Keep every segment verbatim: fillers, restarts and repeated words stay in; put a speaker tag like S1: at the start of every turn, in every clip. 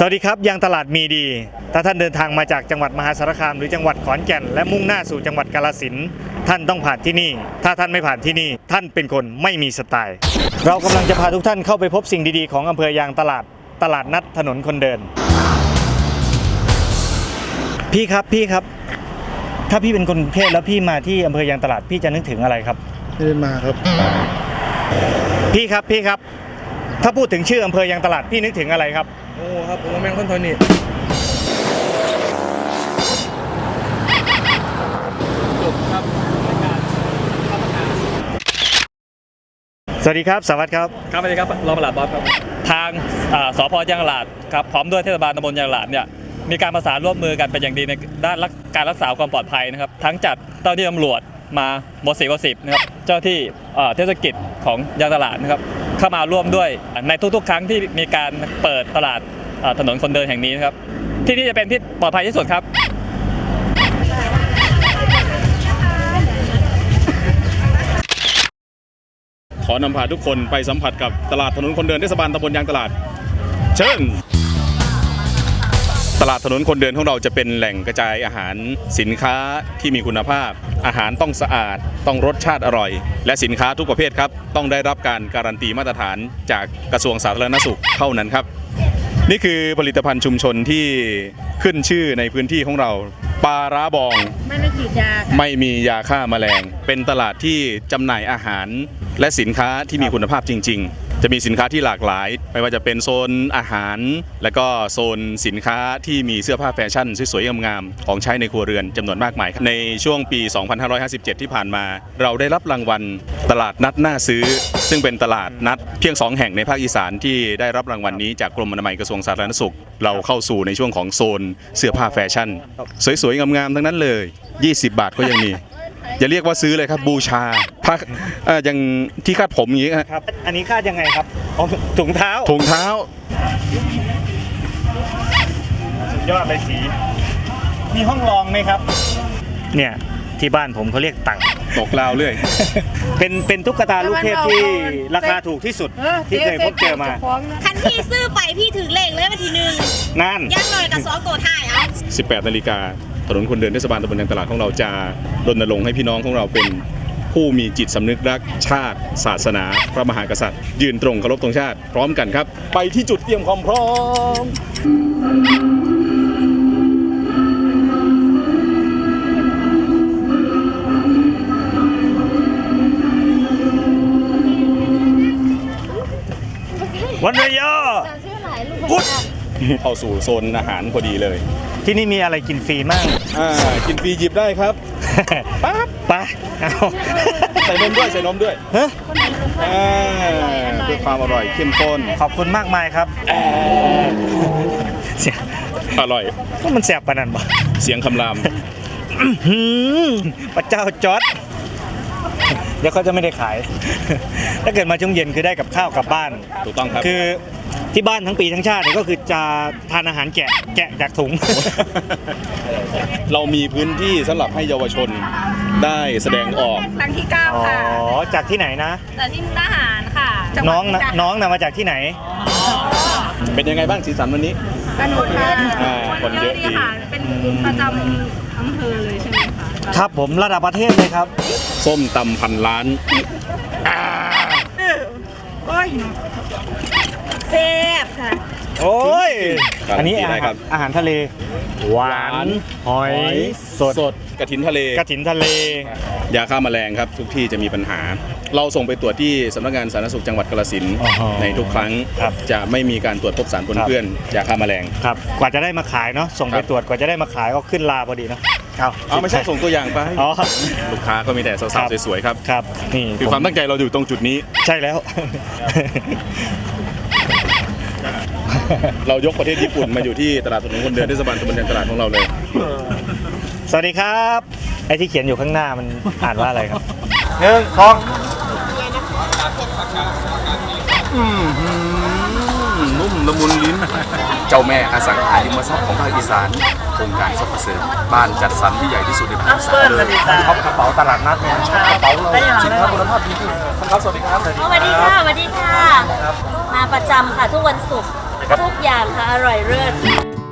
S1: สวัสดีครับยังตลาดมีดีถ้าท่านเดินทางมาจากจังหวัดมหาสารคามหรือจังหวัดขอนแก่นและมุ่งหน้าสู่จังหวัดกาฬสินธุ์ท่านต้องผ่านที่นี่ถ้าท่านไม่ผ่านที่นี่ท่านเป็นคนไม่มีสไตล์เรากำลังจะพาทุกท่านเข้าไปพบสิ่งดีๆของอำเภอยางตลาดตลาดนัดถนนคนเดินพี่ครับพี่ครับถ้าพี่เป็นคนกรุงเทพแล้วพี่มาที่อำเภอยางตลาดพี่จะนึกถึงอะไรครับ
S2: ไม่ได้มาครับ
S1: พี่ครับพี่ครับถ้าพูดถึงชื่ออำเภอยางตลาดพี่นึกถึงอะไรครับ
S2: โอ้ครับผมแมงคนทนนี่จบครับ
S1: สวัสดีครับสวัสดีครับ
S3: ครับสวัสดีครับรองปลัดบอสครับทางสพยางตลาดครับพร้อมด้วยเทศบาลตำบลยางตลาดเนี่ยมีการประสานร่วมมือกันเป็นอย่างดีในด้านการรักษาความปลอดภัยนะครับทั้งจัดเจ้าหน้าที่ตำรวจมาบสิบกว่าสิบนะครับเจ้าที่เทศกิจของยางตลาดนะครับเข้ามาร่วมด้วยในทุกๆครั้งที่มีการเปิดตลาดถนนคนเดินแห่งนี้นะครับที่นี่จะเป็นที่ปลอดภัยที่สุดครับ
S4: ขอนำพาทุกคนไปสัมผัสกับตลาดถนนคนเดินเทศบาลตำบลยางตลาดเชิญตลาดถนนคนเดินของเราจะเป็นแหล่งกระจายอาหารสินค้าที่มีคุณภาพอาหารต้องสะอาดต้องรสชาติอร่อยและสินค้าทุกประเภทครับต้องได้รับการการันตีมาตรฐานจากกระทรวงสาธารณสุขเท่านั้นครับนี่คือผลิตภัณฑ์ชุมชนที่ขึ้นชื่อในพื้นที่ของเราปลาร้าบอง
S5: ไม่ได้ฉีดยา
S4: ไม่มียาฆ่าแมลงเป็นตลาดที่จำหน่ายอาหารและสินค้าที่มีคุณภาพจริงๆจะมีสินค้าที่หลากหลายไม่ว่าจะเป็นโซนอาหารและก็โซนสินค้าที่มีเสื้อผ้าแฟชั่นสวยๆงามๆของใช้ในครัวเรือนจำนวนมากมายในช่วงปีสองพันห้าร้อยห้าสิบเจ็ดที่ผ่านมาเราได้รับรางวัลตลาดนัดน่าซื้อซึ่งเป็นตลาดนัดเพียงสองแห่งในภาคอีสานที่ได้รับรางวัลนี้จากกรมอนามัยกระทรวงสาธารณสุขเราเข้าสู่ในช่วงของโซนเสื้อผ้าแฟชั่นสวยๆงามๆทั้งนั้นเลยยี่สิบบาทก็ยังมีอย่าเรียกว่าซื้อเลยครับบูชาพักอย่างที่คาดผมอย่างนี้
S1: ครับอันนี้คาดยังไงครับถุงเท้า
S4: ถุงเท้า
S1: สุดยอดเลยสีมีห้องรองไหมครับเนี่ยที่บ้านผมเขาเรียกตัง
S4: ตกลาวเรื่อย
S1: เป็นเป็นตุ๊กตาลูกเทพที่ราคาถูกที่สุดที่เคยพบเจอมา
S5: คันที่ซื้อไปพี่ถือเลขเลยวันที่หนึ่ง
S1: นั่น
S5: ย่างหน่อยกับสองโกถ่ายเอา
S4: สิบแปดนาฬิกาถนนคนเดินเทศบาลตำบลยางตลาดของเราจะรณรงค์ให้พี่น้องของเราเป็นผู้มีจิตสำนึกรักชาติศาสนาพระมหากษัตริย์ยืนตรงเคารพธงชาติพร้อมกันครับไปที่จุดเตรียมความพร้อม
S1: วันระยะ
S5: พุทธ
S4: เข้าสู่โซนอาหารพอดีเลย
S1: ที่นี่มีอะไรกินฟรีมาก
S4: อ่ากินฟรีหยิบได้ครับ
S1: ปั๊บไปเอา
S4: ใส่นมด้วยใส่นมด้วย
S1: ฮะ
S4: เพื่อความอร่อยเข้มข้น
S1: ขอบคุณมากมายครับเสีย
S4: อร่อย
S1: ก็มันแสบปานนั้นบ่
S4: เสียงคำราม
S1: พระเจ้าจอร์จเดี๋ยวเขาจะไม่ได้ขายถ้าเกิดมาช่วงเย็นคือได้กับข้าวกลับบ้าน
S4: ถูกต้องครับ
S1: คือที่บ้านทั้งปีทั้งชาติก็คือจะทานอาหารแกะแกะจากถุง
S4: เรามีพื้นที่สำหรับให้เยาวชนได้แสดงออก
S5: ครั้งที่เก้าค่ะ
S1: อ๋อจากที่ไหนนะ
S5: จากที่มุกดาหารค่ะ
S1: น้องนะน้องนะมาจากที่ไหน
S4: เป็นยังไงบ้างสีสันวันนี้
S5: สนุกค่ะ
S4: คนเยอะดี
S5: ค่ะเป็นประจำอำเภอเลยใช่ไหมคะ
S1: ครับผมระดับประเทศเลยครับ
S4: ส้มตำพันล้าน
S5: แซ่บค่ะ
S1: โอ้ยอันนี้อะไรครับอาหารทะเลหวานหอยสด
S4: สดกระถินทะเล
S1: กระถินทะเลย
S4: าฆ่าแมลงครับทุกที่จะมีปัญหาเราส่งไปตรวจที่สำนักงานสาธารณสุขจังหวัดกาฬสินธุ์ในทุกครั้งจะไม่มีการตรวจพบสารปนเปื้อนยาฆ่าแมลง
S1: ครับกว่าจะได้มาขายเนาะส่งไปตรวจกว่าจะได้มาขายก็ขึ้นลาพอดีเนาะ
S4: เอาเอาไม่ใช่ส่งตัวอย่างไป
S1: อ๋อ
S4: ลูกค้าก็มีแต่สาวๆสวยๆครับ
S1: ครับนี่
S4: คือความตั้งใจเราอยู่ตรงจุดนี้
S1: ใช่แล้ว
S4: เรายกประเทศญี่ปุ่นมาอยู่ที่ตลาดถนนคนเดินเทศบาลตำบลยางตลาดของเราเลย
S1: สวัสดีครับไอ้ที่เขียนอยู่ข้างหน้ามันอ่านว่าอะไรครับหนึ่งสอง
S4: นุ่มละมุนลิ้นเจ้าแม่อสังหาริมทรัพย์ของภาคอีสานโครงการซอฟต์เซอร์บ้านจัดสรรที่ใหญ่ที่สุดในภาคอีสานเลย
S1: ท็อปกระเป๋าตลาดนัดเนี่ยกระเป๋าเราสินค้าคุณภาพจริงๆครับสวัสดีครับ
S5: สวัสดีค่ะสวัสดีค่ะมาประจำค่ะทุกวันศุกร์ทุกอย่างค่ะ อร่อยเลิศ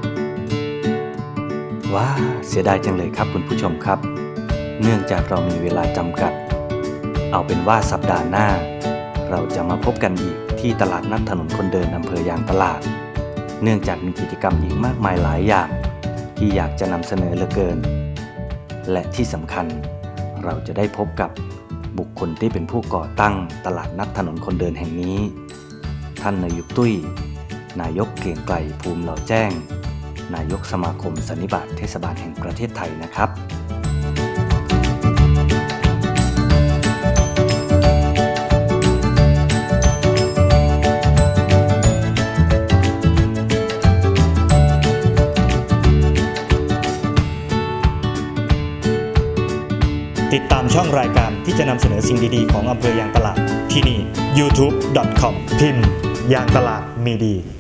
S6: ว้าเสียดายจังเลยครับคุณผู้ชมครับ เนื่องจากเรามีเวลาจำกัด เอาเป็นว่าสัปดาห์หน้า เราจะมาพบกันอีกที่ตลาดนัดถนนคนเดินอำเภอยางตลาด เนื่องจากมีกิจกรรมอีกมากมายหลายอย่าง ที่อยากจะนำเสนอเหลือเกิน และที่สำคัญเราจะได้พบกับบุคคลที่เป็นผู้ก่อตั้งตลาดนัดถนนคนเดินแห่งนี้ ท่านนายกตุ้ย นายกเกรียงไกรภูมิเหล่าแจ้ง นายกสมาคมสันนิบาตเทศบาลแห่งประเทศไทยนะครับ
S1: ติดตามช่องรายการที่จะนำเสนอสิ่งดีๆของอำเภอยางตลาดที่นี่ ยูทูบ ดอท คอม พิมพ์ยางตลาดมีดี